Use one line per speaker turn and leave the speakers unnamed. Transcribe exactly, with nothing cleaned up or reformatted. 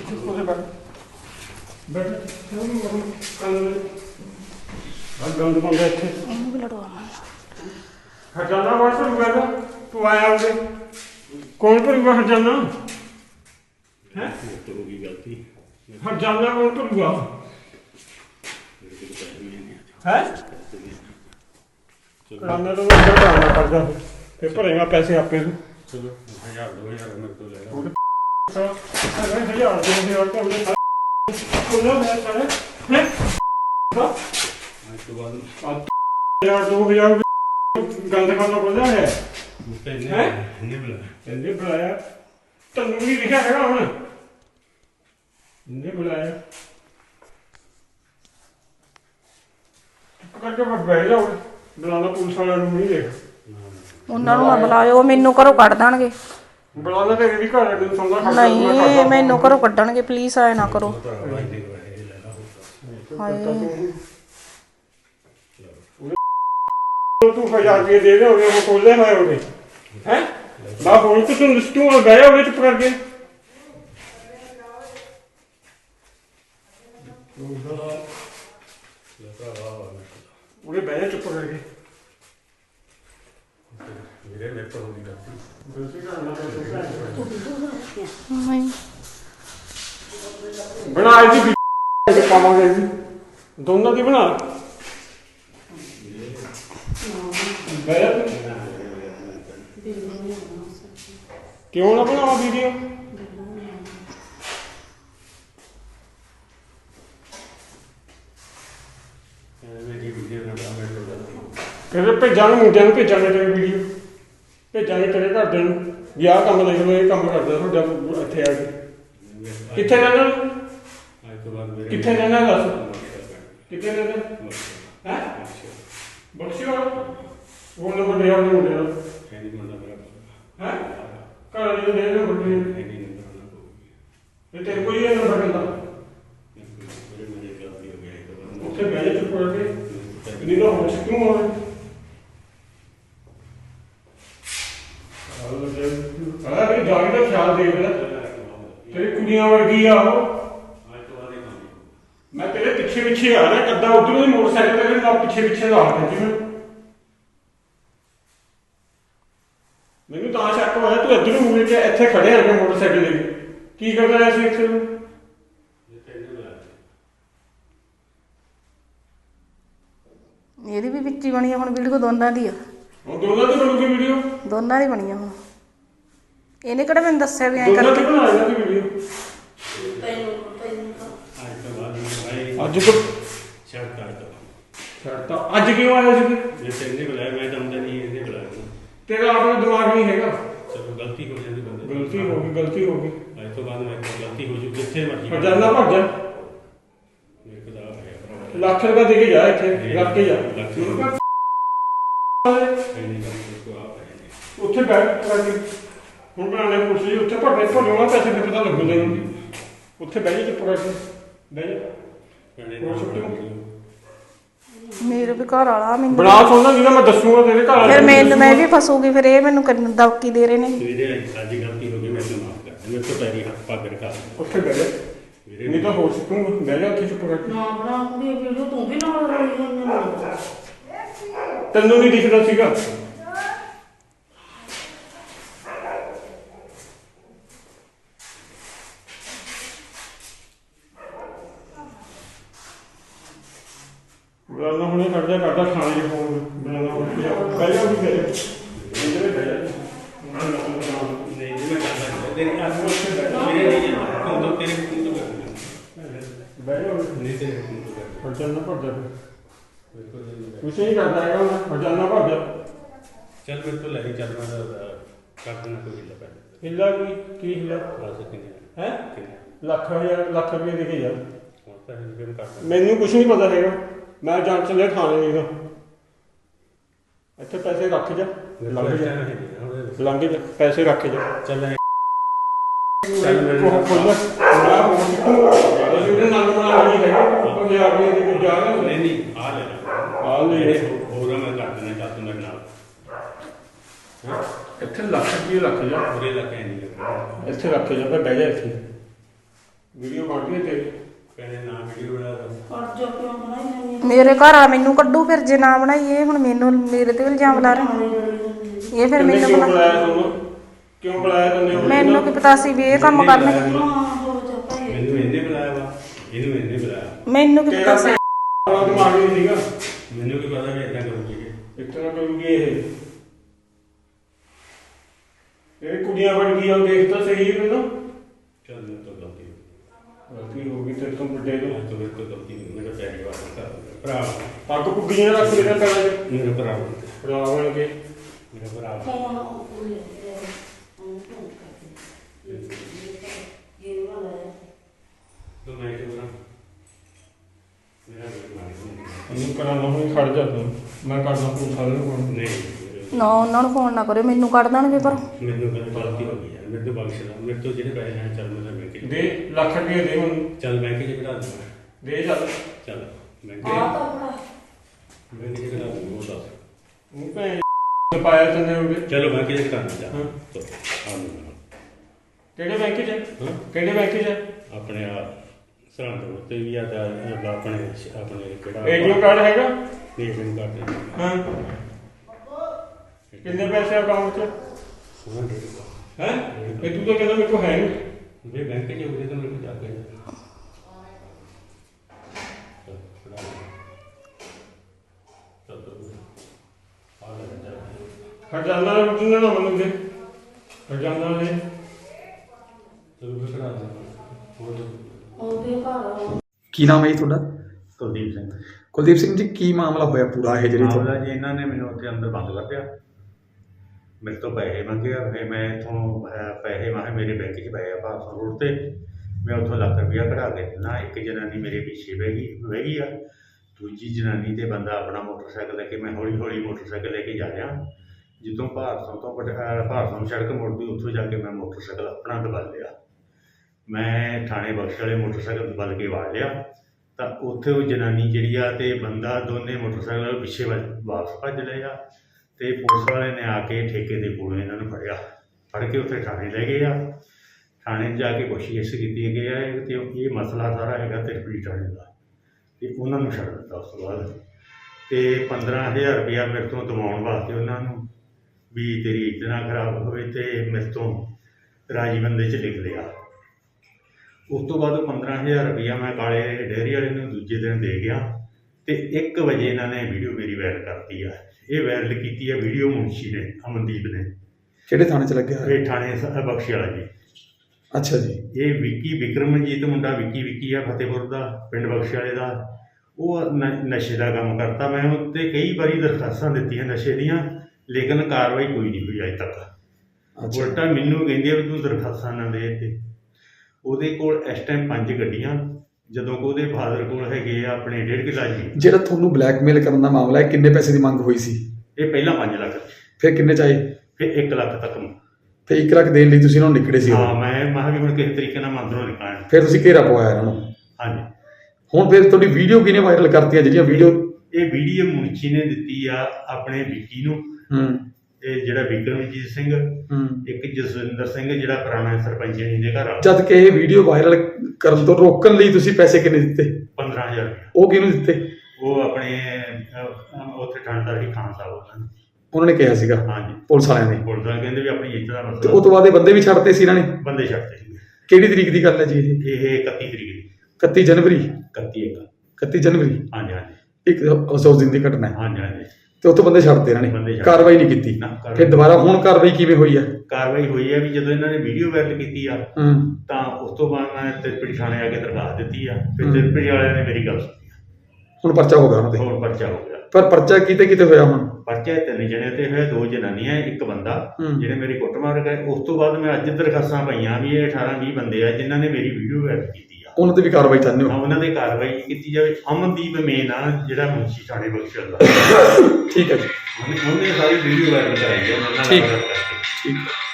बैठ गंद पाਉਂਦਾ ਇੱਥੇ
ਇਹਨੂੰ ਵੀ ਲੜਵਾਵਾਂ
ਹਰਜਾਨਾ ਵਾਰ ਭਰੂਗਾ ਤੂੰ ਆਇਆ ਉਹਦੇ ਕੌਣ ਭਰੂਗਾ ਹਰਜਾਨਾ ਹੈ
तो होगी गलती
हरजाना कौन भरूगा है कराना तो मैं कराना पड़ता फिर भरेगा पैसे आपे
चलो हजार दो हजार मेरे तो ले लो
हजार दो हजार का हमने खुला है सारे हैं
आज तो बाद
हजार दो हजार गंद खाना बोला है
हैं नहीं बुलाया
इन्हें बुलाया तन्नू भी लिखा है हमने इन्हें बुलाया करके बस बैठ जाओ बुलाना पुलिस वाला रूम नहीं देख
ਉਹਨਾਂ ਨੂੰ ਨਾ ਬੁਲਾਇਓ ਮੈਨੂੰ ਘਰੋਂ ਕੱਢ ਦੇਣਗੇ
बुलाना तो ये भी घर है सुनना खा
ਨਹੀਂ ਮੈਨੂੰ ਘਰੋਂ ਕੱਢਣਗੇ ਪਲੀਜ਼ ਆਏ ਨਾ ਕਰੋ ਹਾਏ
तू हजार रुपये दे रहे हो वो खोले हुए होगे हैं बाप बोल तो तुम लिस्टू में गए होगे चुप करके उन्हें बैठे चुप करके
मेरे मेरे तो होगी गलती
बना जी पावांगे जी दोनों की बना क्यों ना बनावा वीडियो कहते भेजा मुंडिया भेजा तेरी वीडियो भेजा तेरे घरदे भी आह काम देख लो ये काम करदा तुहाडा इत्थे आ के कित्थे रहना
आज तो बाद मेरे
कित्थे रहना दस कित्थे रहना हैं बख्शी वाला वो नंबर दे आपने मुंडे दा
है नहीं बंदा मेरा
हैं घर वाली दे दे नंबर दे
है नहीं नंबर ना होगी
ये तेरे कोई है नंबर कहता
मेरे मुझे गलती हो गई तो
उत्थे बैठे चुप करके नहीं तो होश क्यों हो अरे भाई जाने का ख्याल देख ले तेरी कुड़ियां वर्गी आ वो
आज तो बाद ही
मैं तेरे पीछे पीछे आ रहा कद्दा उधर ही मोटरसाइकिल तेरे ना पीछे पीछे ला के जिਵੇਂ ਮੈਨੂੰ ਤਾਂ ਸ਼ੱਕ ਹੋਇਆ ਤੂੰ ਇੱਧਰ ਨੂੰ ਮੁੜ ਕੇ ਇੱਥੇ ਖੜੇ ਆ ਕੇ ਮੋਟਰਸਾਈਕਲ ਲੈ ਕੇ ਕੀ ਕਰਦਾ ਐ ਸੀ ਇੱਥੇ
ये पहले बुलाया
ਇਹਦੀ ਵੀ ਵਿੱਚੀ ਬਣੀ ਆ ਹੁਣ ਵੀਡੀਓ ਦੋਨਾਂ ਦੀ ਆ
ਉਹ ਦੋਨਾਂ ਦੀ ਬਣੂਗੀ ਵੀਡੀਓ
ਦੋਨਾਂ ਦੀ ਬਣੀ ਆ ਹੁਣ ਇਹਨੇ ਕਿਹੜਾ ਮੈਨੂੰ ਦੱਸਿਆ ਵੀ ਐ
ਦੋਨਾਂ ਦੀ
ਕਰਕੇ
ਬਣਾ ਲੈਣਾ ਦੀ ਵੀਡੀਓ
आज तो बाद में भाई
ਅੱਜ ਤੋਂ
शर्ट काट दो
ਛੱਡਤਾ ਅੱਜ ਕਿਉਂ ਆਇਆ ਸੀ
ये तेरे बुलाया मैं तो अंदर नहीं है बुलाया
ਤੇਰਾ ਆਪਣਾ ਦਿਮਾਗ ਨਹੀਂ ਹੈਗਾ
चलो गलती हो जाती बंदे
ਗਲਤੀ ਹੋ ਗਈ ਗਲਤੀ ਹੋ ਗਈ
आज तो बाद में गलती हो चुकी जितने मर्जी
ਹਰਜਾਨਾ ਭੱਜ ਜਾ
मेरे को तो आप है अपना
ਲੱਖ ਰੁਪਏ ਦੇ ਕੇ ਜਾ ਇੱਥੇ ਰੱਖ ਕੇ ਜਾ
ਲੱਖ है नहीं करते को आप है नहीं
ਉੱਥੇ ਬੈਠ ਕਰਕੇ ਹੁਣ ਬਣਾਣੇ ਪੁਲਿਸ ਜੀ ਉੱਥੇ ਭੱਜੇ ਭੱਜੋਣਾ ਪੈਸੇ ਦੇ ਪਤਾ ਲੱਗੂ ਤੈਨੂੰ ਉੱਥੇ ਬਹਿ ਜਾ ਚੁੱਪ ਕਰਕੇ ਬਹਿ ਜਾ
मैंने
वो छुट्टी को-
ਮੇਰੇ ਵੀ ਘਰ ਵਾਲਾ ਮੈਨੂੰ
ਬਣਾ ਸੋਨਾ ਜਿਹੜਾ ਮੈਂ ਦੱਸੂਗਾ ਤੇਰੇ ਘਰ
ਫਿਰ ਮੈਨੂੰ ਮੈਂ ਵੀ ਫਸੂਗੀ ਫਿਰ ਇਹ ਮੈਨੂੰ ਕਰਨ ਦਵਕੀ ਦੇ ਰਹੇ ਨੇ
मेरे आज गलती हो गई मैं तो माफ कर मेरे को पैरी हाथ पा कर खा
ਉੱਥੇ ਬਹਿ ਜਾ
मेरे
ਨਹੀਂ ਤਾਂ ਹੋ ਸਕੂਗਾ ਬਹਿ ਜਾ ਉੱਥੇ ਚੁੱਪ ਕਰਕੇ
ਨਾ ਬਣਾ ਕੁੜੀ ਵੀਡੀਓ ਤੂੰ ਵੀ ਨਾਲ ਰੋਈ ਜਾਂਦੀ ਹੈ
ਤੈਨੂੰ ਨਹੀਂ ਦਿਖਦਾ ਸੀਗਾ ਬੁਲਾਣਾ ਹੁਣੇ ਕੱਢ ਜਾ ਕੱਢਾ ਖਾਣੇ ਦੇ ਫੋਨ ਬੁਲਾਣਾ ਉੱਥੇ ਜਾ ਬਹਿ ਜਾ ਉੱਥੇ ਬਹਿ ਜਾ ਇੱਧਰ ਬਹਿ ਜਾ
नहीं मैं करता तेरे आज मेरे नहीं है तुम तो तेरे तुम तो कर
ਬਹਿ ਜਾ
नहीं तेरे तुम तो कर
ਹਰਜਾਨਾ ਭੱਜ ਜਾ
मेरे को नहीं
ਕੁਛ ਨਹੀਂ ਕਰਦਾ ਹੈਗਾ ਮੈਂ ਹਰਜਾਨਾ ਭੱਜ ਜਾ
चल मेरे को लगी चल मैं कर देना कोई हिला पहले
ਹਿੱਲਾ ਕੀ ਕੀ ਹਿੱਲਾ
बस कितने
ਹੈ
कितने
ਲੱਖ ਹਜ਼ਾਰ ਲੱਖ ਰੁਪਏ ਦੇ ਕੇ ਜਾ
होता है हम करते
ਮੈਨੂੰ ਕੁਛ ਨਹੀਂ ਪਤਾ ਹੈਗਾ ਮੈਂ ਜਾਣ ਚੱਲਿਆ ਥਾਣੇ ਨਹੀਂ ਦਾ ਇੱਥੇ ਪੈਸੇ ਰੱਖ ਜਾ ਲੰਘ ਜਾ ਲੰਘ ਜਾ ਪੈਸੇ ਰੱਖ ਜਾ
चल
ਚੱਲ ਮੇਰੇ ਕੋਲ ਖੋਲ ਮੈਂ ਹੋਰ ਕਿਉਂ ਅਸੀਂ ਉਹਦੇ ਨਾਲ ਬਣਾ ਲਈ ਹੈਗਾ ਉਹ ਹਜ਼ਾਰ ਰੁਪਏ ਦੇ ਕੇ ਜਾ ਰਹੇ
नहीं नहीं आ लेना
ਆ ਲੈ
मेरे हो रहा मैं कर देना चाहता हूं मेरे नाल
ਇੱਥੇ ਲੱਖ ਰੁਪਏ ਰੱਖ ਜਾ
पूरे इलाके नहीं लग रहा
ਇੱਥੇ ਰੱਖ ਜਾ ਫਿਰ ਬਹਿ ਜਾ ਇੱਥੇ ਵੀਡੀਓ ਬਣ ਗਈ ਤੇਰੀ
ਕਹਿੰਦੇ ਨਾ ਵੀਡੀਓ ਬਣਾ ਦੋ
ਕੱਟ ਜਾ ਕਿਉਂ ਬਣਾਈ ਜਾਂਦੀ ਆ?
ਮੇਰੇ ਘਰ ਆ ਮੈਨੂੰ ਕੱਢੂ ਫਿਰ ਜੇ ਨਾ ਬਣਾਈਏ ਹੁਣ ਮੈਨੂੰ ਮੇਰੇ ਤੇ ਇਲਜ਼ਾਮ ਲਾ ਰਹੇ ਇਹ ਫਿਰ
ਕਿੰਨੇ
ਮੈਨੂੰ
ਕਿਉਂ
ਬਣਾ
ਬੁਲਾਇਆ ਤੁਹਾਨੂੰ ਕਿਉਂ ਬੁਲਾਇਆ ਤੈਨੂੰ
ਮੈਨੂੰ ਕੀ ਪਤਾ ਸੀ ਵੀ ਇਹ ਕੰਮ ਕਰਨੇ
ਹਾਂ ਹੋ ਜਾ ਭਾਈ
ਮੈਨੂੰ ਇਹਨੇ ਬੁਲਾਇਆ ਵਾ ਇਹਨੂੰ ਇਹਨੇ ਬੁਲਾਇਆ
ਮੈਨੂੰ ਕੀ
ਤੇਰਾ
ਪਤਾ ਸੀ
ਭੈਣ ਦਿਮਾਗ ਨਹੀਂ ਸੀਗਾ
ਮੈਨੂੰ ਕੀ ਪਤਾ ਵੀ ਇਦਾਂ ਕਰੂਗੀ ਇਹ।
ਇੱਕ ਤਰ੍ਹਾਂ ਕਰੂਗੀ ਇਹ ਇਹ ਕੁੜੀਆਂ ਬਣ ਗਈ ਉਹ ਦੇਖ ਤਾਂ ਸਹੀ ਹੈ ਨਾ
ਚੱਲ ਮੇਰੇ ਤੋਂ ਗਲਤੀ ਹੋ ਗਈ
ਗਲਤੀ ਹੋ ਗਈ ਤੇ ਤੁਮ ਵੱਡੇ ਤੋਂ
ਅੱਜ ਤੋਂ ਮੇਰੇ ਤੋਂ ਗਲਤੀ ਨਹੀਂ ਮੇਰਾ ਪੈਰੀ ਵਾਰ ਕਰ ਭਰਾ
ਪੱਗ ਪੁੱਗੀਆਂ ਰੱਖ ਦੇ ਪੈਰਾਂ 'ਚ
ਮੇਰਾ ਭਰਾ ਵਾ।
ਭਰਾ ਬਣ ਕੇ
ਮੇਰਾ ਭਰਾ ਵਾ।
ਫੋਨ ਉਹ ਲੈ ਉਹ ਫੋਨ ਕਰਦੇ ਇਹ ਵਾਲਾ ਹੈ
ਤੂੰ ਮੈਂ ਕਿਉਂ ਕਰਾਂ ਮੇਰਾ ਵੀ ਮਾਰ
ਉਹਨੂੰ ਕਰਾਂ ਨਾ ਹੋਈ ਖੜ ਜਾ ਤੂੰ ਮੈਂ ਕਰਦਾ ਤੂੰ ਸਾਰੇ ਨੂੰ ਫੋਨ
ਨਹੀਂ
ਨਾ ਉਹਨਾਂ ਨੂੰ ਫੋਨ ਨਾ ਕਰਿਓ ਮੈਨੂੰ ਕੱਢ ਦੇਣਗੇ ਪਰ
ਮੈਨੂੰ ਕਹਿੰਦਾ ਗਲਤੀ ਹੋ ਗਈ ਯਾਰ ਮੇਰੇ ਤੋਂ ਬਖਸ਼ ਲੈ ਮੇਰੇ ਤੋਂ ਜਿਹੜੇ ਪੈਸੇ ਆ ਚੱਲ ਮੈਂ ਬੈਂਕ 'ਚ
ਦੇ ਲੱਖ ਰੁਪਏ ਦੇ ਹੁਣ
ਚੱਲ ਬੈਂਕ 'ਚ ਕਢਾ ਦੂੰਗਾ
ਦੇ ਚੱਲ
ਚੱਲ ਬੈਂਕ
ਆ ਤਾਂ ਬੜਾ
ਬੈਂਕ 'ਚ ਕਢਾ ਦੂੰਗਾ ਉਹ ਦੱਸ
ਉਹ ਭੈਣ ਪਾਇਆ ਤੈਨੇ ਉਹਦੇ
ਚਲੋ ਬੈਂਕ 'ਚ ਕਢਾ ਜਾ
ਹਾਂ।
ਆ ਮੈਨੂੰ
ਕਿਹੜੇ ਬੈਂਕ 'ਚ
ਹਾਂ
ਕਿਹੜੇ ਬੈਂਕ 'ਚ
ਆਪਣੇ ਆ ਸਰਹੰਦ ਉੱਤੇ ਵੀ ਆ ਤਾਂ ਆਪਣੇ ਆਪਣੇ ਕਿਹੜਾ
ਏਟੀਐਮ ਕਾਰਡ ਹੈਗਾ
ਏਟੀਐਮ ਕਾਰਡ ਤੇ
ਹਾਂ ਕਿੰਨੇ ਪੈਸੇ ਅਕਾਊਂਟ 'ਚ
ਉਹਨਾਂ ਦੇ ਦਿੱਤਾ।
ਹੈ ਇਹ ਤੂੰ ਤਾਂ ਕਹਿੰਦਾ ਮੇਰੇ ਕੋਲ ਹੈ ਨਹੀਂ
ਜੇ ਬੈਂਕ 'ਚ ਹੋਵੇ ਤਾਂ ਮੇਰੇ ਕੋਲ ਜਾ ਕੇ ਚੱਲ, ਕਢਾ ਲੈ। ਚੱਲ, ਚੱਲ, ਆ ਲੈ ਜਾ।
ਖਜ਼ਾਨਾ ਰੁਟਣਾ ਨਾ ਮੈਨੂੰ ਦੇ ਖਜ਼ਾਨਾ ਦੇ
ਚਲੋ ਫਿਰ ਕਢਾ ਦੇ ਹੋਰ
ਉਹਦੇ ਘਰ
ਕੀ ਨਾਮ ਹੈ ਜੀ ਤੁਹਾਡਾ?
ਕੁਲਦੀਪ ਸਿੰਘ
ਕੁਲਦੀਪ ਸਿੰਘ ਜੀ, ਕੀ ਮਾਮਲਾ ਹੋਇਆ ਪੂਰਾ ਇਹ ਜਿਹੜੀ
ਮਾਮਲਾ
ਤੁਹਾਡਾ?
ਜੀ ਇਹਨਾਂ ਨੇ ਮੈਨੂੰ ਉੱਥੇ ਅੰਦਰ ਬੰਦ ਕਰ ਦਿਆ ਮੇਰੇ ਤੋਂ ਪੈਸੇ ਮੰਗੇ ਆ ਫਿਰ ਮੈਂ ਇੱਥੋਂ ਅਹ, ਪੈਸੇ ਮਾਹੇ ਮੇਰੇ ਬੈਂਕ 'ਚ ਪਏ ਆ ਭਾਰਤ ਰੋਡ ਤੇ ਮੈਂ ਉੱਥੋਂ ਲੱਖ ਰੁਪਇਆ ਕਢਾ ਕੇ ਦਿੰਦਾ ਇੱਕ ਜਨਾਨੀ ਮੇਰੇ ਪਿੱਛੇ ਬਹਿ ਗਈ ਬਹਿ ਗਈ ਆ ਦੂਜੀ ਜਨਾਨੀ ਤੇ ਬੰਦਾ ਆਪਣਾ ਮੋਟਰਸਾਈਕਲ ਲੈ ਕੇ ਮੈਂ ਹੌਲੀ ਹੌਲੀ ਮੋਟਰਸਾਈਕਲ ਲੈ ਕੇ ਜਾ ਰਿਹਾ ਜਦੋਂ ਭਾਰਤੋਂ ਤੋਂ ਪਟ- ਅਹ, ਭਾਰਤੋਂ ਸੜਕ ਮੁੜਦੀ ਉੱਥੋਂ ਜਾ ਕੇ ਮੈਂ ਮੋਟਰਸਾਈਕਲ ਆਪਣਾ ਦਬਾ ਲਿਆ ਮੈਂ ਥਾਣੇ ਬਖਸ਼ ਵਾਲੇ ਮੋਟਰਸਾਈਕਲ ਦਬਲ ਕੇ ਵਾੜ ਲਿਆ ਤਾਂ ਉੱਥੇ ਉਹ ਜਨਾਨੀ ਜਿਹੜੀ ਆ ਤੇ ਬੰਦਾ ਦੋਨੇ ਮੋਟਰਸਾਈਕਲ ਪਿੱਛੇ ਵੱਲ ਵਾਪਸ ਭੱਜ ਲਏ ਆ ਤੇ ਪੁਲਿਸ ਵਾਲੇ ਨੇ ਆ ਕੇ ਠੇਕੇ ਦੇ ਕੋਲੋਂ ਇਹਨਾਂ ਨੂੰ ਫੜਿਆ ਫੜ ਕੇ ਉੱਥੇ ਥਾਣੇ ਲੈ ਗਏ ਆ ਥਾਣੇ 'ਚ ਜਾ ਕੇ ਪੁੱਛਗਿੱਛ ਕੀਤੀ ਗਈ ਆ ਤੇ ਇਹ ਮਸਲਾ ਸਾਰਾ ਹੈਗਾ ਤਿਰਪੀ ਥਾਣੇ ਦਾ ਤੇ ਉਹਨਾਂ ਨੂੰ ਛੱਡ ਦਿੱਤਾ ਉਸ ਤੋਂ ਬਾਅਦ ਤੇ ਪੰਦਰਾਂ ਹਜ਼ਾਰ ਰੁਪਇਆ ਮੇਰੇ ਤੋਂ ਦਿਵਾਉਣ ਵਾਸਤੇ ਉਹਨਾਂ ਨੂੰ ਵੀ ਤੇਰੀ ਇੱਜ਼ਤ ਨਾ ਖਰਾਬ ਹੋਵੇ ਤੇ ਮੇਰੇ ਤੋਂ ਰਾਜੀ ਬੰਦੇ 'ਚ ਲਿਖ ਲਿਆ ਉਸ ਤੋਂ ਬਾਅਦ ਪੰਦਰਾਂ ਹਜ਼ਾਰ ਰੁਪਇਆ ਮੈਂ ਕਾਲੇ ਡੇਅਰੀ ਵਾਲੇ ਨੂੰ ਦੂਜੇ ਦਿਨ ਦੇ ਗਿਆ ਤੇ ਇੱਕ ਵਜੇ ਇਹਨਾਂ ਨੇ ਵੀਡੀਓ ਮੇਰੀ ਵਾਇਰਲ ਕਰਤੀ ਆ ਇਹ ਵਾਇਰਲ ਕੀਤੀ ਆ ਵੀਡੀਓ ਮੁਨਸ਼ੀ ਨੇ ਅਮਨਦੀਪ ਨੇ
ਕਿਹੜੇ ਥਾਣੇ 'ਚ ਲੱਗਿਆ ਹੋਇਆ?
ਇਹ ਥਾਣੇ ਸ- ਬਖਸ਼ੀ ਵਾਲਾ ਜੀ
ਅੱਛਾ ਜੀ।
ਇਹ ਵਿੱਕੀ ਵਿਕਰਮਜੀਤ ਮੁੰਡਾ ਵਿੱਕੀ ਵਿੱਕੀ ਆ ਫਤਿਹਪੁਰ ਦਾ ਪਿੰਡ ਬਖਸ਼ੀ ਵਾਲੇ ਦਾ ਉਹ ਨ- ਨਸ਼ੇ ਦਾ ਕੰਮ ਕਰਤਾ ਮੈਂ ਉੱਤੇ ਕਈ ਵਾਰੀ ਦਰਖਾਸਤਾਂ ਦਿੱਤੀਆਂ ਨਸ਼ੇ ਦੀਆਂ ਲੇਕਿਨ ਕਾਰਵਾਈ ਕੋਈ ਨਹੀਂ ਹੋਈ ਅਜੇ ਤੱਕ
ਅੱਛਾ
ਉਲਟਾ ਮੈਨੂੰ ਕਹਿੰਦੇ ਆ ਵੀ ਤੂੰ ਦਰਖਾਸਤਾਂ ਨਾ ਦੇ ਤੇ ਉਹਦੇ ਕੋਲ ਇਸ ਟਾਈਮ ਪੰਜ ਗੱਡੀਆਂ ਜਦੋਂ ਕਿ ਉਹਦੇ ਫਾਦਰ ਕੋਲ ਹੈਗੇ ਆ ਆਪਣੇ ਡੇਢ ਕਿੱਲਾ ਜੀ
ਜਿਹੜਾ ਤੁਹਾਨੂੰ ਬਲੈਕਮੇਲ ਕਰਨ ਦਾ ਮਾਮਲਾ ਹੈ, ਕਿੰਨੇ ਪੈਸੇ ਦੀ ਮੰਗ ਹੋਈ ਸੀ?
ਇਹ ਪਹਿਲਾਂ ਪੰਜ ਲੱਖ
ਫਿਰ ਕਿੰਨੇ ਚਾਹੀ?
ਫਿਰ ਇੱਕ ਲੱਖ ਤੱਕ
ਫਿਰ ਇੱਕ ਲੱਖ ਦੇਣ ਲਈ ਤੁਸੀਂ ਇਹਨਾਂ ਨੂੰ ਨਿਕੜੇ ਸੀ?
ਹਾਂ ਮੈਂ ਮਹਾਂ ਵੀ ਹੁਣ ਕਿਸੇ ਤਰੀਕੇ ਨਾਲ ਮੰਦਰੋਂ ਨਿਕਲਣਾ
ਫਿਰ ਤੁਸੀਂ ਘੇਰਾ ਪਵਾਇਆ ਇਹਨਾਂ ਨੂੰ?
ਹਾਂਜੀ
ਹੁਣ ਫਿਰ ਤੁਹਾਡੀ ਵੀਡੀਓ ਕਿਹਨੇ ਵਾਇਰਲ ਕਰਤੀਆਂ ਜਿਹੜੀਆਂ ਵੀਡੀਓ?
ਇਹ ਵੀਡੀਓ ਮੁਨਸ਼ੀ ਨੇ ਦਿੱਤੀ ਆ ਆਪਣੇ ਵਿੱਕੀ ਨੂੰ
ਹੂੰ
ਤੇ ਜਿਹੜਾ ਵਿਕਰਮਜੀਤ ਸਿੰਘ
ਹੂੰ
ਇੱਕ ਜਸਵਿੰਦਰ ਸਿੰਘ ਜਿਹੜਾ ਪੁਰਾਣਾ ਸਰਪੰਚ ਜੀ ਦੇ ਘਰ ਆ
ਜਦ ਕਿ ਇਹ ਵੀਡੀਓ ਵਾਇਰਲ ਕਰਨ ਤੋਂ ਰੋਕਣ ਲਈ ਤੁਸੀਂ ਪੈਸੇ ਕਿੰਨੇ ਦਿੱਤੇ?
ਪੰਦਰਾਂ ਹਜ਼ਾਰ ਰੁਪਇਆ।
ਉਹ ਕਿਹਨੂੰ ਦਿੱਤੇ?
ਉਹ ਆਪਣੇ ਅਹ, ਉੱਥੇ ਠੰਡਦਾਰ ਹੀ ਖਾਨ ਸਾਹਿਬ ਉਹਨਾਂ ਨੇ
ਉਹਨਾਂ ਨੇ ਕਿਹਾ ਸੀਗਾ
ਹਾਂਜੀ
ਪੁਲਿਸ ਵਾਲਿਆਂ ਨੇ?
ਪੁਲਿਸ ਵਾਲੇ ਕਹਿੰਦੇ ਵੀ ਆਪਣੀ ਇੱਜ਼ਤ ਦਾ
ਤੇ
ਮਸਲਾ
ਉਹ ਤੋਂ ਬਾਅਦ ਇਹ ਬੰਦੇ ਵੀ ਛੱਡਤੇ ਸੀ ਇਹਨਾਂ ਨੇ?
ਬੰਦੇ ਛੱਡਦੇ ਸੀਗੇ
ਕਿਹੜੀ ਤਰੀਕ ਦੀ ਗੱਲ ਹੈ ਜੀ ਇਹ?
ਇਹ ਇਕੱਤੀ ਤਰੀਕ ਦੀ
ਇਕੱਤੀ ਜਨਵਰੀ?
ਇਕੱਤੀ ਇੱਕ
ਇਕੱਤੀ ਜਨਵਰੀ
ਹਾਂਜੀ ਹਾਂਜੀ
ਇੱਕ ਅਫਸੋਸ ਦਿਨ ਦੀ ਘਟਨਾ ਹੈ।
ਹਾਂਜੀ ਹਾਂਜੀ
ਤੇ ਉੱਥੋਂ ਬੰਦੇ ਛੱਡਤੇ ਇਹਨਾਂ
ਬੰਦੇ
ਨੇ,
ਛੱਡ-
ਕਾਰਵਾਈ ਨਹੀਂ ਕੀਤੀ?
ਨਾ, ਕਾਰਵਾਈ-
ਫਿਰ ਦੁਬਾਰਾ ਹੁਣ ਕਾਰਵਾਈ ਕਿਵੇਂ ਹੋਈ ਹੈ?
ਕਾਰਵਾਈ ਹੋਈ ਹੈ ਵੀ ਜਦੋਂ ਇਹਨਾਂ ਨੇ ਵੀਡੀਓ ਵਾਇਰਲ ਕੀਤੀ ਆ
ਹੂੰ
ਤਾਂ ਉਸ ਤੋਂ ਬਾਅਦ ਮੈਂ ਤਿਰਪੜੀ ਥਾਣੇ ਆ ਕੇ ਦਰਖਾਸਤ ਦਿੱਤੀ ਆ ਫਿਰ
ਹਮ।
ਤਿਰਪੜੀ ਵਾਲਿਆਂ ਨੇ ਮੇਰੀ ਗੱਲ ਸੁਣੀ
ਹੁਣ ਪਰਚਾ ਹੋ ਗਿਆ ਉਹਨਾਂ ਤੇ?
ਹੋਰ ਪਰਚਾ ਹੋ ਗਿਆ
ਪਰ ਪਰਚਾ ਕਿਤੇ ਕਿਤੇ ਹੋਇਆ ਹੁਣ?
ਪਰਚਾ ਤਿੰਨ ਜਣੇ ਤੇ ਹੋਇਆ ਦੋ ਜਨਾਨੀਆਂ ਇੱਕ ਬੰਦਾ
ਹਮ।
ਜਿਹੜੇ ਮੇਰੀ ਕੁੱਟਮਾਰ ਗਏ ਉਸ ਤੋਂ ਬਾਅਦ ਮੈਂ ਅੱਜ ਦਰਖਾਸਤਾਂ ਪਾਈਆਂ ਵੀ ਇਹ ਅਠਾਰਾਂ ਵੀਹ ਬੰਦੇ ਆ ਜਿਨ੍ਹਾਂ ਨੇ ਮੇਰੀ ਵੀਡੀਓ ਵਾਇਰਲ ਕੀਤੀ ਆ
ਉਹਨਾਂ ਤੇ ਵੀ ਕਾਰਵਾਈ ਚਾਹੁੰਦੇ
ਤਾਂ
ਹੋ?
ਉਹਨਾਂ ਦੇ ਕਾਰਵਾਈ ਕੀਤੀ ਜਾਵੇ ਅਮਨਦੀਪ ਮੇਨ ਆ ਜਿਹੜਾ ਮੁਨਸ਼ੀ ਥਾਣੇ ਬਖਸ਼ਲ ਦਾ
ਠੀਕ ਹੈ ਜੀ,
ਉਹਨੇ ਉਹਨੇ ਸਾਰੀ ਵੀਡੀਓ ਵਾਇਰਲ ਕਰਾਈ ਆ ਉਹਨਾਂ ਨਾਲ
ਠੀਕ।
ਗੱਲ ਕਰਕੇ
ਠੀਕ ਹੈ।